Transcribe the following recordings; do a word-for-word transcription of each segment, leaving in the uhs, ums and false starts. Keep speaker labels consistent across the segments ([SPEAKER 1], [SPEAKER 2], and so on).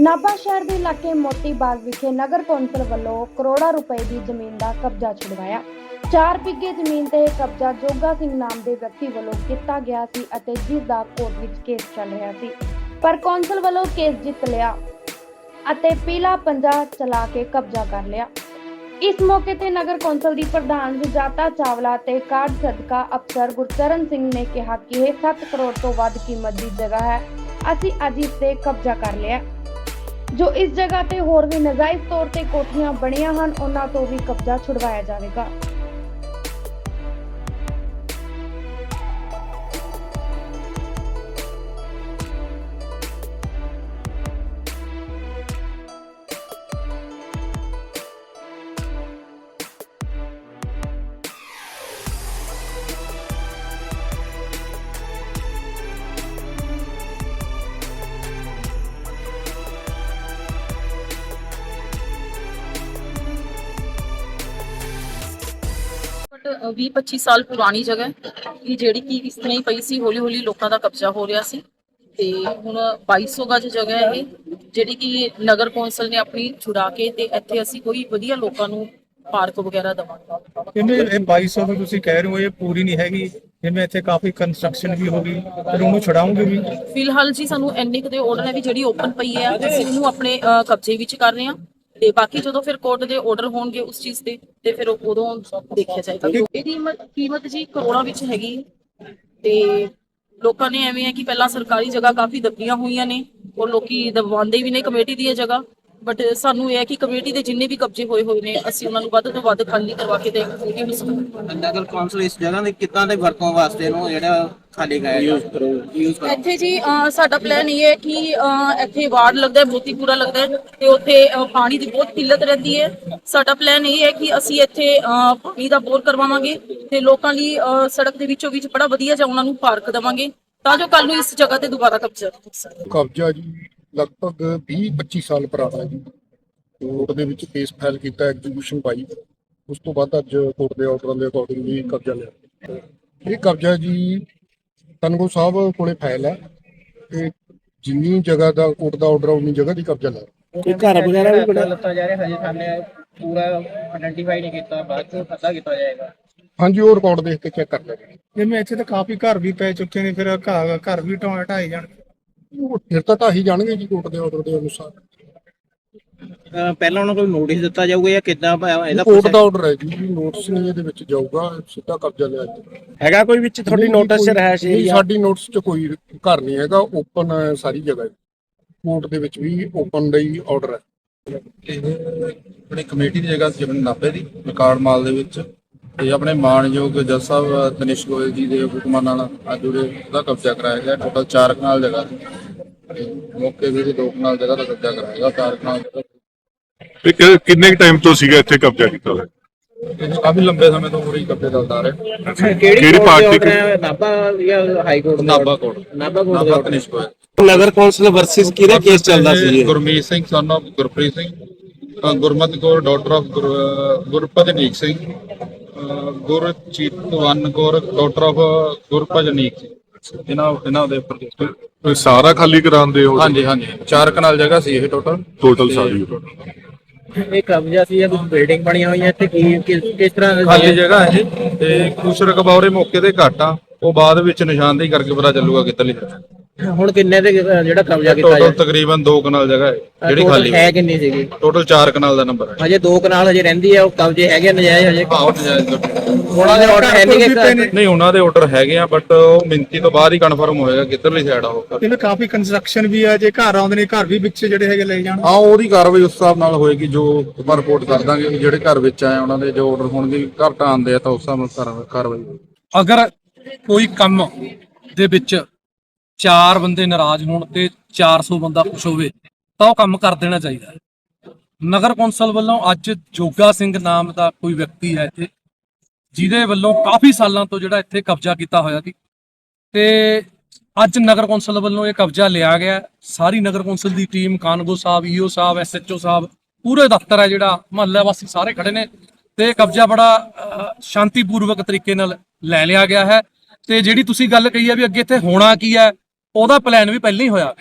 [SPEAKER 1] ਨਾਭਾ शहर के इलाके मोती बाग विखे नगर कौंसल वालों करोड़ों रुपए की जमीन का कब्जा छुड़वाया। चार बिघे जमीन ते कब्जा जोगा सिंह नाम के व्यक्ति वालों किया गया सी अते जिस दा कोर्ट विच केस चल रहा सी, पर कौंसल वालों केस जित लिया अते पीला पंजा चला के कब्जा कर लिया। इस मौके ते नगर कौंसल की प्रधान सुजाता चावला ते कार्ड सदका अफसर गुरचरण सिंह ने कहा कि यह सत्त करोड़ तो वध कीमत की जगह है, असी अज इस ते कब्जा कर लिया। जो इस जगह ते होर भी नजायज तौर ते कोठियां बणियां हन उन्हां तो भी कब्जा छुड़वाया जाएगा।
[SPEAKER 2] ਵੀਹ ਪੱਚੀ ਸਾਲ ਪੁਰਾਣੀ ਜਗ੍ਹਾ ਕਿ ਜਿਹੜੀ ਕਿ ਇਸ ਤਰ੍ਹਾਂ ਹੀ ਪਈ ਸੀ, ਹੌਲੀ ਹੌਲੀ ਲੋਕਾਂ ਦਾ ਕਬਜ਼ਾ ਹੋ ਰਿਹਾ ਸੀ ਤੇ ਹੁਣ ਬਾਈ ਸੌ ਗਜ ਜਗ੍ਹਾ ਇਹ ਜਿਹੜੀ ਕਿ ਨਗਰ ਕੌਂਸਲ ਨੇ ਆਪਣੀ ਛੁਡਾ ਕੇ ਤੇ ਇੱਥੇ ਅਸੀਂ ਕੋਈ ਵਧੀਆ ਲੋਕਾਂ ਨੂੰ ਪਾਰਕ ਵਗੈਰਾ ਦਵਾਂਗੇ।
[SPEAKER 3] ਕਿੰਨੇ ਇਹ ਬਾਈ ਸੌ ਨੂੰ ਤੁਸੀਂ ਕਹਿ ਰਹੇ ਹੋ ਇਹ ਪੂਰੀ ਨਹੀਂ ਹੈਗੀ, ਜਿਵੇਂ ਇੱਥੇ ਕਾਫੀ ਕੰਸਟਰਕਸ਼ਨ ਵੀ ਹੋ ਗਈ, ਫਿਰ ਉਹਨੂੰ ਛੁਡਾਉਂਗੇ ਵੀ?
[SPEAKER 2] ਫਿਲਹਾਲ ਜੀ ਸਾਨੂੰ ਇੰਨੇ ਕੁ ਦੇ ਆਰਡਰ ਹੈ ਵੀ ਜਿਹੜੀ ਓਪਨ ਪਈ ਹੈ ਅਸੀਂ ਉਹਨੂੰ ਆਪਣੇ ਕਬਜ਼ੇ ਵਿੱਚ ਕਰ ਰਹੇ ਹਾਂ ਤੇ ਬਾਕੀ ਜਦੋਂ ਫਿਰ ਕੋਰਟ ਦੇ ਆਰਡਰ ਹੋਣਗੇ ਉਸ ਚੀਜ਼ ਤੇ ਤੇ ਫਿਰ ਉਦੋਂ ਦੇਖਿਆ ਜਾਏਗਾ। ਇਹਦੀ ਕੀਮਤ ਜੀ ਕਰੋੜਾਂ ਵਿੱਚ ਹੈਗੀ ਤੇ ਲੋਕਾਂ ਨੇ ਐਵੇਂ ਹੈ ਕਿ ਪਹਿਲਾਂ ਸਰਕਾਰੀ ਜਗ੍ਹਾ ਕਾਫੀ ਦੱਬੀਆਂ ਹੋਈਆਂ ਨੇ ਔਰ ਲੋਕੀ ਦਬਵਾਉਂਦੇ ਵੀ ਨੇ ਕਮੇਟੀ ਦੀ ਇਹ ਜਗ੍ਹਾ, ਬਟ ਸਾਨੂੰ ਇਹ ਹੈ ਕਿ ਕਮੇਟੀ ਦੇ ਜਿੰਨੇ ਵੀ ਕਬਜ਼ੇ ਹੋਏ ਹੋਏ ਨੇ ਅਸੀਂ ਉਹਨਾਂ ਨੂੰ ਵੱਧ ਤੋਂ ਵੱਧ ਖਾਲੀ ਕਰਵਾ ਕੇ ਦੇਵਾਂਗੇ।
[SPEAKER 4] ਨਗਰ ਕੌਂਸਲ ਇਸ ਜਗ੍ਹਾ ਦੇ ਕਿੱਦਾਂ ਦੇ ਵਰਤੋਂ ਵਾਸਤੇ ਨੂੰ ਜਿਹੜਾ ਖਾਲੀ ਕਰਾਇਆ ਯੂਜ਼ ਕਰੋ ਯੂਜ਼ ਕਰੋ
[SPEAKER 2] ਇੱਥੇ ਜੀ ਸਾਡਾ ਪਲਾਨ ਇਹ ਹੈ ਕਿ ਇੱਥੇ ਵਾਰਡ ਲੱਗਦਾ ਹੈ, ਮੋਤੀਪੁਰਾ ਲੱਗਦਾ ਹੈ ਤੇ ਉੱਥੇ ਪਾਣੀ ਦੀ ਬਹੁਤ ਕਿੱਲਤ ਰਹਿੰਦੀ ਹੈ। ਸਾਡਾ ਪਲਾਨ ਇਹ ਹੈ ਕਿ ਅਸੀਂ ਇੱਥੇ ਪਾਣੀ ਦਾ ਬੋਰ ਕਰਵਾਵਾਂਗੇ ਤੇ ਲੋਕਾਂ ਲਈ ਸੜਕ ਦੇ ਵਿੱਚੋਂ ਵਿੱਚ ਬੜਾ ਵਧੀਆ ਜਿਹਾ ਉਹਨਾਂ ਨੂੰ ਪਾਰਕ ਦੇਵਾਂਗੇ ਤਾਂ ਜੋ ਕੱਲ ਨੂੰ ਇਸ ਜਗ੍ਹਾ ਤੇ ਦੁਬਾਰਾ ਕਬਜ਼ਾ ਹੋ ਸਕੇ।
[SPEAKER 5] ਕਬਜ਼ਾ ਜੀ ਲਗਭਗ ਵੀਹ ਪੱਚੀ ਸਾਲ ਪੁਰਾਣਾ ਜੀ। ਕੋਰਟ ਦੇ ਵਿੱਚ ਕੇਸ ਫਾਈਲ ਕੀਤਾ, ਐਗਜ਼ੀਕਿਊਸ਼ਨ ਪਾਈ, ਉਸ ਤੋਂ ਬਾਅਦ ਅੱਜ ਕੋਰਟ ਦੇ ਆਰਡਰਾਂ ਦੇ ਅਕੋਰਡਿੰਗਲੀ ਕਬਜ਼ਾ ਲਿਆ। ਇਹ ਕਬਜ਼ਾ ਜੀ ਤਨਗੋ ਸਾਹਿਬ ਕੋਲੇ ਫਾਈਲ ਹੈ ਤੇ ਜਿੰਨੀ ਜਗ੍ਹਾ ਦਾ ਕੋਰਟ ਦਾ ਆਰਡਰ ਉਨੀ ਜਗ੍ਹਾ ਦੀ ਕਬਜ਼ਾ ਲਿਆ।
[SPEAKER 4] ਕੋਈ ਘਰ ਵਗੈਰਾ ਵੀ ਬਣਾ ਲੱਤਾ ਜਾ ਰਿਹਾ, ਹਜੇ ਸਾਹਮਣੇ ਪੂਰਾ ਆਇਡੈਂਟੀਫਾਈ ਨਹੀਂ ਕੀਤਾ, ਬਾਅਦ ਚ ਪਤਾ ਕੀਤਾ ਜਾਏਗਾ।
[SPEAKER 5] ਹਾਂਜੀ, ਉਹ ਰਿਕਾਰਡ ਦੇਖ ਕੇ ਚੈੱਕ ਕਰ ਲੈਣਗੇ।
[SPEAKER 3] ਜਿਵੇਂ ਇੱਥੇ ਤਾਂ ਕਾਫੀ ਘਰ ਵੀ ਪੈ ਚੁੱਕੇ ਨੇ, ਫਿਰ ਘਰ ਘਰ ਵੀ ਢਾਹ ਢਾਏ ਜਾਣਗੇ।
[SPEAKER 5] ਉਹ ਫਿਰ ਤਾਂ ਢਾਹੀ ਜਾਣਗੇ ਜੀ ਕੋਰਟ ਦੇ ਆਰਡਰ ਦੇ ਅਨੁਸਾਰ।
[SPEAKER 4] ਪਹਿਲਾਂ ਉਹਨਾਂ ਕੋਲ ਨੋਟਿਸ ਦਿੱਤਾ ਜਾਊਗਾ ਜਾਂ ਕਿੱਦਾਂ ਇਹਦਾ
[SPEAKER 5] ਕੋਰਟ ਦਾ ਆਰਡਰ ਹੈ ਜੀ, ਨੋਟਿਸ ਨਹੀਂ ਇਹਦੇ ਵਿੱਚ ਜਾਊਗਾ, ਸਿੱਧਾ ਕਬਜ਼ਾ ਲਿਆ ਜੀ।
[SPEAKER 4] ਹੈਗਾ ਕੋਈ ਵਿੱਚ ਤੁਹਾਡੀ ਨੋਟਿਸ ਰਹਿਸ਼
[SPEAKER 5] ਨਹੀਂ, ਸਾਡੀ ਨੋਟਿਸ 'ਚ ਕੋਈ ਘਰ ਨਹੀਂ ਹੈਗਾ, ਓਪਨ ਸਾਰੀ ਜਗ੍ਹਾ। ਕੋਰਟ ਦੇ ਵਿੱਚ ਵੀ ਓਪਨ ਦਾ ਹੀ ਆਰਡਰ ਹੈ।
[SPEAKER 6] ਇਹ ਆਪਣੀ ਕਮੇਟੀ ਦੀ ਜਗ੍ਹਾ ਸੀ, ਆਪਣੇ ਨਾਭੇ ਦੀ ਰਿਕਾਰਡ ਮਾਲ ਦੇ ਵਿੱਚ, ਤੇ ਆਪਣੇ ਮਾਨਯੋਗ ਜੱਜ ਸਾਹਿਬ ਤਨਿਸ਼ ਗੋਇਲ ਜੀ ਦੇ ਹੁਕਮਾਂ ਨਾਲ ਅੱਜ ਉਹਦਾ ਕਬਜ਼ਾ ਕਰਾਇਆ ਗਿਆ। ਟੋਟਲ ਚਾਰ ਕਨਾਲ ਜਗ੍ਹਾ ਮੌਕੇ ਵੀ ਦੋ ਕਨਾਲ ਜਗ੍ਹਾ ਦਾ ਕਬਜ਼ਾ ਕਰਾਇਆ ਗਿਆ। ਚਾਰ ਕਨਾਲ
[SPEAKER 7] ਜਗ੍ਹਾ ਕਿੰਨੇ ਟਾਈਮ ਤੋਂ ਸੀਗਾ ਇੱਥੇ ਕਬਜ਼ਾ ਕੀਤਾ ਹੋਇਆ?
[SPEAKER 6] ਕਾਫੀ ਲੰਬੇ ਸਮੇਂ ਤੋਂ ਪੂਰੀ ਕਬਜ਼ੇ ਚੱਲਦਾ ਆ ਰਿਹਾ।
[SPEAKER 7] ਕਿਹੜੀ ਪਾਰਟੀ?
[SPEAKER 4] ਨਾਭਾ ਜਾਂ high court?
[SPEAKER 6] Nabha court.
[SPEAKER 4] Nabha court ਦਾ
[SPEAKER 6] ਤਨਿਸ਼ ਗੋਇਲ।
[SPEAKER 4] ਨਗਰ ਕੌਂਸਲ ਵਰਸਸ ਕਿਹਦਾ ਕੇਸ ਚੱਲਦਾ ਸੀ?
[SPEAKER 6] Gurmeet Singh son of Gurpreet Singh, Gurmat Kaur daughter of Gurpatneek Singh, Gurchitwan Kaur daughter of Gurbhajneek Singh. ਇਹਨਾਂ ਇਹਨਾਂ ਦੇ ਉੱਪਰ
[SPEAKER 7] ਸਾਰਾ ਖਾਲੀ ਕਰਾਉਂਦੇ ਹੋ?
[SPEAKER 6] ਹਾਂਜੀ ਹਾਂਜੀ, ਚਾਰ ਕਨਾਲ ਜਗ੍ਹਾ ਸੀ ਇਹ ਟੋਟਲ
[SPEAKER 7] ਟੋਟਲ ਸਾਰੀ?
[SPEAKER 4] ਇਹ ਕਬਜ਼ਾ ਸੀ ਜਾਂ ਕੋਈ ਬਿਲਡਿੰਗ ਬਣੀਆਂ ਹੋਈਆਂ ਇੱਥੇ, ਕੀ ਕਿਸ ਤਰ੍ਹਾਂ
[SPEAKER 6] ਖਾਲੀ ਜਗ੍ਹਾ ਇਹ ਤੇ ਕੁਛ ਰਕਬਾ ਮੌਕੇ ਤੇ ਘੱਟ ਆ, ਉਹ ਬਾਅਦ ਵਿੱਚ ਨਿਸ਼ਾਨਦੇਹੀ ਕਰਕੇ ਪਤਾ ਚੱਲੂਗਾ ਕਿੱਧਰਲੀ।
[SPEAKER 4] ਹੁਣ ਕਿੰਨੇ ਦੇ ਜਿਹੜਾ ਕਬਜ਼ਾ ਕੀਤਾ
[SPEAKER 6] ਟੋਟਲ ਤਕਰੀਬਨ ਦੋ ਕਨਾਲ ਜਗ੍ਹਾ ਹੈ ਜਿਹੜੀ ਖਾਲੀ
[SPEAKER 4] ਹੈ। ਕਿੰਨੀ ਸੀਗੀ?
[SPEAKER 6] ਟੋਟਲ ਚਾਰ ਕਨਾਲ ਦਾ ਨੰਬਰ ਹੈ।
[SPEAKER 4] ਹਜੇ ਦੋ ਕਨਾਲ ਹਜੇ ਰਹਿੰਦੀ ਹੈ, ਉਹ ਕਬਜ਼ੇ ਹੈਗੇ ਨਜਾਇਜ਼ ਹਜੇ?
[SPEAKER 6] ਹਾਂ, ਨਜਾਇਜ਼
[SPEAKER 4] ਉਹਨਾਂ ਦੇ ਆਰਡਰ ਹੈ ਨਹੀਂ?
[SPEAKER 6] ਨਹੀਂ, ਉਹਨਾਂ ਦੇ ਆਰਡਰ ਹੈਗੇ ਆ, ਬਟ ਉਹ ਮਿੰਤੀ ਤੋਂ ਬਾਅਦ ਹੀ ਕਨਫਰਮ ਹੋਏਗਾ ਕਿੱਧਰਲੀ ਸਾਈਡ ਆ ਉਹ।
[SPEAKER 3] ਜਿਵੇਂ ਕਾਫੀ ਕੰਸਟਰਕਸ਼ਨ ਵੀ ਆ, ਜੇ ਘਰ ਆਉਂਦੇ ਨੇ ਘਰ ਵੀ ਵਿੱਚ ਜਿਹੜੇ ਹੈਗੇ ਲੈ ਜਾਣ।
[SPEAKER 6] ਹਾਂ, ਉਹਦੀ ਕਾਰਵਾਈ ਉਸ ਹਿਸਾਬ ਨਾਲ ਹੋਏਗੀ, ਜੋ ਆਪਾਂ ਰਿਪੋਰਟ ਕਰ ਦਾਂਗੇ ਵੀ ਜਿਹੜੇ ਘਰ ਵਿੱਚ ਆਏ ਉਹਨਾਂ ਦੇ ਜੋ ਆਰਡਰ ਹੋਣਗੇ, ਘਰ ਢਾਉਂਦੇ ਆ ਤਾਂ ਉਸ ਹਿਸਾਬ ਨਾਲ ਕਾਰਵਾਈ ਹੋਏਗੀ।
[SPEAKER 8] ਅਗਰ ਕੋਈ ਕੰਮ ਦੇ ਵਿੱਚ ਚਾਰ ਬੰਦੇ ਨਾਰਾਜ਼ ਹੋਣ ਤੇ ਚਾਰ ਸੌ ਬੰਦਾ ਖੁਸ਼ ਹੋਵੇ ਤਾਂ ਉਹ ਕੰਮ ਕਰ ਦੇਣਾ ਚਾਹੀਦਾ ਹੈ। ਨਗਰ ਕੌਂਸਲ ਵੱਲੋਂ ਅੱਜ ਜੋਗਾ ਸਿੰਘ ਨਾਮ ਦਾ ਕੋਈ ਵਿਅਕਤੀ ਹੈ ਇੱਥੇ, ਜਿਹਦੇ ਵੱਲੋਂ ਕਾਫੀ ਸਾਲਾਂ ਤੋਂ ਜਿਹੜਾ ਇੱਥੇ ਕਬਜ਼ਾ ਕੀਤਾ ਹੋਇਆ ਸੀ ਤੇ ਅੱਜ ਨਗਰ ਕੌਂਸਲ ਵੱਲੋਂ ਇਹ ਕਬਜ਼ਾ ਲਿਆ ਗਿਆ। ਸਾਰੀ ਨਗਰ ਕੌਂਸਲ ਦੀ ਟੀਮ, ਕਾਨਗੋ ਸਾਹਿਬ, ਈਓ ਸਾਹਿਬ, ਐਸਐਚਓ ਸਾਹਿਬ, ਪੂਰੇ ਦਫ਼ਤਰ ਹੈ ਜਿਹੜਾ ਮੁਹੱਲਾ ਵਾਸੀ ਸਾਰੇ ਖੜੇ ਨੇ ਤੇ ਕਬਜ਼ਾ ਬੜਾ ਸ਼ਾਂਤੀਪੂਰਵਕ ਤਰੀਕੇ ਨਾਲ ਲੈ ਲਿਆ ਗਿਆ ਹੈ। ਤੇ ਜਿਹੜੀ ਤੁਸੀਂ ਗੱਲ ਕਹੀ ਹੈ ਵੀ ਅੱਗੇ ਇੱਥੇ ਹੋਣਾ ਕੀ ਹੈ, ਉਹਦਾ ਪਲਾਨ ਵੀ ਪਹਿਲਾਂ ਹੀ ਹੋਇਆ ਹੈ।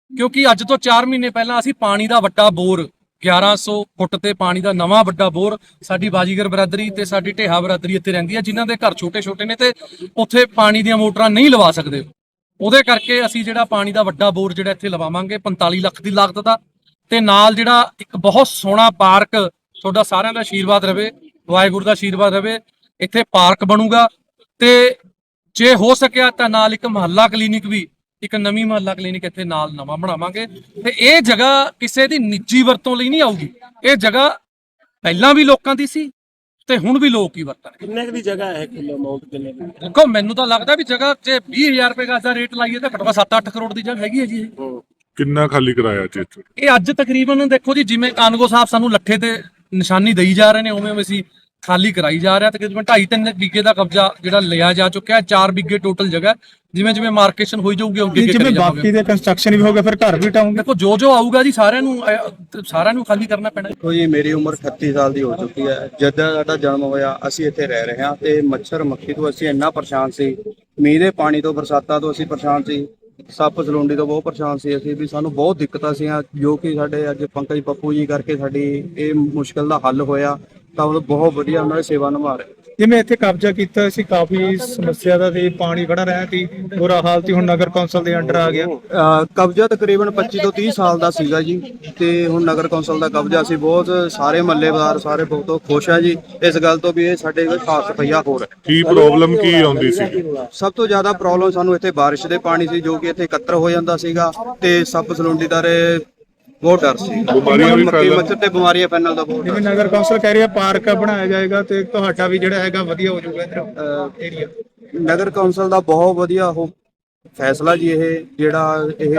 [SPEAKER 8] ਕਿਉਂਕਿ ਅੱਜ ਤੋਂ ਚਾਰ ਮਹੀਨੇ ਪਹਿਲਾਂ ਅਸੀਂ ਪਾਣੀ ਦਾ ਵੱਡਾ ਬੋਰ ਗਿਆਰਾਂ ਸੌ ਫੁੱਟ ਤੇ ਪਾਣੀ ਦਾ ਨਵਾਂ ਵੱਡਾ ਬੋਰ ਸਾਡੀ ਬਾਜੀਗਰ ਬਰਾਦਰੀ ਤੇ ਸਾਡੀ ਢੇਹਾ ਬਰਾਦਰੀ ਇੱਥੇ ਰਹਿੰਦੀ ਹੈ, ਜਿਨ੍ਹਾਂ ਦੇ ਘਰ ਛੋਟੇ ਛੋਟੇ ਨੇ ਤੇ ਉੱਥੇ ਪਾਣੀ ਦੀਆਂ ਮੋਟਰਾਂ ਨਹੀਂ ਲਵਾ ਸਕਦੇ। ਉਹਦੇ ਕਰਕੇ ਅਸੀਂ ਜਿਹੜਾ ਪਾਣੀ ਦਾ ਵੱਡਾ ਬੋਰ ਜਿਹੜਾ ਇੱਥੇ ਲਵਾਵਾਂਗੇ ਪੰਤਾਲੀ ਲੱਖ ਦੀ ਲਾਗਤ ਦਾ, ਤੇ ਨਾਲ ਜਿਹੜਾ ਇੱਕ ਬਹੁਤ ਸੋਹਣਾ ਪਾਰਕ, ਤੁਹਾਡਾ ਸਾਰਿਆਂ ਦਾ ਆਸ਼ੀਰਵਾਦ ਰਵੇ, ਵਾਹਿਗੁਰੂ ਦਾ ਆਸ਼ੀਰਵਾਦ ਰਵੇ, ਇੱਥੇ ਪਾਰਕ ਬਣੂਗਾ। ਤੇ ਜੇ ਹੋ ਸਕਿਆ ਤਾਂ ਨਾਲ ਇੱਕ ਮੁਹੱਲਾ ਕਲੀਨਿਕ ਵੀ, ਇੱਕ ਨਵੀਂ ਮੁਹੱਲਾ ਕਲੀਨਿਕ ਇੱਥੇ ਨਾਲ ਨਵਾਂ ਬਣਾਵਾਂਗੇ। ਤੇ ਇਹ ਜਗ੍ਹਾ ਕਿਸੇ ਦੀ ਨਿੱਜੀ ਵਰਤੋਂ ਲਈ ਨਹੀਂ ਆਊਗੀ, ਇਹ ਜਗ੍ਹਾ ਪਹਿਲਾਂ ਵੀ ਲੋਕਾਂ ਦੀ ਸੀ ਤੇ ਹੁਣ ਵੀ ਲੋਕ ਹੀ ਵਰਤਣਗੇ।
[SPEAKER 9] ਕਿੰਨੇ ਕੁ ਦੀ ਜਗ੍ਹਾ ਹੈ, ਕਿਲੋ ਅਮਾਉਂਟ ਕਿੰਨੇ ਦੀ?
[SPEAKER 8] ਦੇਖੋ ਮੈਨੂੰ ਤਾਂ ਲੱਗਦਾ ਵੀ ਜਗ੍ਹਾ ਜੇ ਵੀਹ ਹਜ਼ਾਰ ਰੁਪਏ ਦਾ ਰੇਟ ਲਾਈਏ ਤਾਂ ਘੱਟੋ ਘੱਟ ਸੱਤ ਅੱਠ ਕਰੋੜ ਦੀ ਜਗ੍ਹਾ ਹੈਗੀ ਹੈ ਜੀ ਇਹ।
[SPEAKER 7] ਕਿੰਨਾ ਖਾਲੀ ਕਰਾਇਆ ਜੀ ਇੱਥੇ?
[SPEAKER 8] ਇਹ ਅੱਜ ਤਕਰੀਬਨ ਦੇਖੋ ਜੀ, ਜਿਵੇਂ ਕਾਨਗੋ ਸਾਹਿਬ ਸਾਨੂੰ ਲੱਠੇ ਤੇ ਨਿਸ਼ਾਨੀ ਦੇਈ ਜਾ ਰਹੇ ਨੇ, ਉਵੇਂ ਉਵੇਂ ਅਸੀਂ ਖਾਲੀ ਕਰਾਈ ਜਾ ਰਿਹਾ। ਤਕਰੀਬਨ ਢਾਈ ਤਿੰਨ ਵਿਗੇ ਦਾ ਕਬਜ਼ਾ ਜਿਹੜਾ ਲਿਆ ਜਾ ਚੁੱਕਿਆ, ਚਾਰ ਵਿਗੇ ਟੋਟਲ ਜਗ੍ਹਾ। ਜਿਵੇਂ ਜਿਵੇਂ ਮਾਰਕੇਸ਼ਨ ਹੋਈ ਜਾਊਗੀ ਅੱਗੇ ਅੱਗੇ
[SPEAKER 3] ਜਿਵੇਂ
[SPEAKER 8] ਕਰੀ ਜਾਵਾਂਗੇ।
[SPEAKER 3] ਬਾਕੀ ਦੇ ਕੰਸਟਰਕਸ਼ਨ ਵੀ ਹੋ ਗਿਆ ਫਿਰ ਘਰ ਵੀ ਟਾਉਂਗੇ।
[SPEAKER 8] ਦੇਖੋ ਜੋ ਜੋ ਆਊਗਾ ਜੀ ਸਾਰਿਆਂ ਨੂੰ ਅਹ, ਸਾਰਿਆਂ ਨੂੰ ਖਾਲੀ ਕਰਨਾ ਪੈਣਾ।
[SPEAKER 10] ਦੇਖੋ ਜੀ, ਮੇਰੀ ਉਮਰ ਅਠੱਤੀ ਸਾਲ ਦੀ ਹੋ ਚੁੱਕੀ ਹੈ। ਜਦੋਂ ਸਾਡਾ ਜਨਮ ਹੋਇਆ ਅਸੀਂ ਇੱਥੇ ਰਹਿ ਰਹੇ ਹਾਂ ਤੇ ਮੱਛਰ ਮੱਖੀ ਤੋਂ ਅਸੀਂ ਇੰਨਾ ਪਰੇਸ਼ਾਨ ਸੀ, ਮੀਂਹ ਦੇ ਪਾਣੀ ਤੋਂ, ਬਰਸਾਤਾਂ ਤੋਂ ਅਸੀਂ ਪਰੇਸ਼ਾਨ ਸੀ, ਸੱਪ ਸਲੂੰਡੀ ਤੋਂ ਬਹੁਤ ਪਰੇਸ਼ਾਨ ਸੀ ਅਸੀਂ ਵੀ। ਸਾਨੂੰ ਬਹੁਤ ਦਿੱਕਤਾਂ ਸੀਆਂ, ਜੋ ਕਿ ਸਾਡੇ ਅੱਜ ਪੰਕਜ ਪੱਪੂ ਜੀ ਕਰਕੇ ਸਾਡੀ ਇਹ ਮੁਸ਼ਕਲ ਦਾ ਹੱਲ ਹੋਇਆ। ਤਾਂ ਉਹ ਬਹੁਤ ਵਧੀਆ ਉਹਨਾਂ ਦੀ ਸੇਵਾ ਨਿਭਾ ਰਹੇ।
[SPEAKER 3] ਜਿਵੇਂ ਇੱਥੇ ਕਬਜ਼ਾ ਕੀਤਾ ਸੀ, ਕਾਫੀ ਸਮੱਸਿਆ ਦਾ ਸੀ, ਪਾਣੀ ਖੜਾ ਰਿਹਾ ਸੀ, ਬੁਰਾ ਹਾਲ ਸੀ, ਹੁਣ ਨਗਰ ਕੌਂਸਲ ਦੇ ਅੰਡਰ ਆ ਗਿਆ।
[SPEAKER 10] ਅਹ ਕਬਜ਼ਾ ਤਕਰੀਬਨ ਪੱਚੀ ਤੋਂ ਤੀਹ ਸਾਲ ਦਾ ਸੀਗਾ ਜੀ, ਤੇ ਹੁਣ ਨਗਰ ਕੌਂਸਲ ਦਾ ਕਬਜ਼ਾ ਸੀ। ਬਹੁਤ ਸਾਰੇ ਮਹੱਲੇਦਾਰ ਸਾਰੇ ਬਹੁਤ ਖੁਸ਼ ਆ ਜੀ ਇਸ ਗੱਲ ਤੋਂ ਵੀ ਇਹ ਸਾਡੇ ਕੋਲ ਖਾਸ ਰੁਪਈਆ ਹੋਰ ਹੈ।
[SPEAKER 7] ਕੀ ਪ੍ਰੋਬਲਮ ਕੀ ਆਉਂਦੀ ਸੀ?
[SPEAKER 10] ਸਭ ਤੋਂ ਜ਼ਿਆਦਾ ਪ੍ਰੋਬਲਮ ਸਾਨੂੰ ਇੱਥੇ ਬਾਰਿਸ਼ ਦੇ ਪਾਣੀ ਸੀ, ਜੋ ਕਿ ਇੱਥੇ ਇਕੱਤਰ ਹੋ ਜਾਂਦਾ ਸੀਗਾ, ਤੇ ਸੱਪ ਸਲੂੰਡੀ ਦਾ ਰੇ ਬਹੁਤ ਡਰ ਸੀ।
[SPEAKER 7] ਬਿਮਾਰੀਆਂ ਵੀ
[SPEAKER 10] ਮੱਖੀ
[SPEAKER 7] ਫੈਲਣ।
[SPEAKER 10] ਮੱਛਰ ਤੇ ਬਿਮਾਰੀਆਂ ਫੈਲਣ ਦਾ ਬਹੁਤ
[SPEAKER 3] ਜਿਵੇਂ
[SPEAKER 10] ਡਰ।
[SPEAKER 3] ਨਗਰ ਕੌਂਸਲ ਕਹਿ ਰਿਹਾ ਪਾਰਕ ਬਣਾਇਆ ਜਾਏਗਾ ਤੇ ਤੁਹਾਡਾ ਵੀ ਜਿਹੜਾ ਹੈਗਾ ਵਧੀਆ ਹੋ ਜਾਊਗਾ ਇੱਧਰ ਏਰੀਆ।
[SPEAKER 10] ਨਗਰ ਕੌਂਸਲ ਦਾ ਬਹੁਤ ਵਧੀਆ ਉਹ ਫੈਸਲਾ ਜੀ, ਇਹ ਜਿਹੜਾ ਇਹ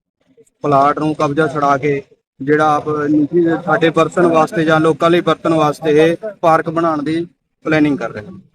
[SPEAKER 10] ਪਲਾਟ ਨੂੰ ਕਬਜ਼ਾ ਛਡਾ ਕੇ ਜਿਹੜਾ ਆਪ ਨਿੱਜੀ ਸਾਡੇ ਵਰਤਣ ਵਾਸਤੇ ਜਾਂ ਲੋਕਾਂ ਲਈ ਵਰਤਣ ਵਾਸਤੇ ਇਹ ਪਾਰਕ ਬਣਾਉਣ ਦੀ ਪਲੈਨਿੰਗ ਕਰ ਰਹੇ ਹਨ।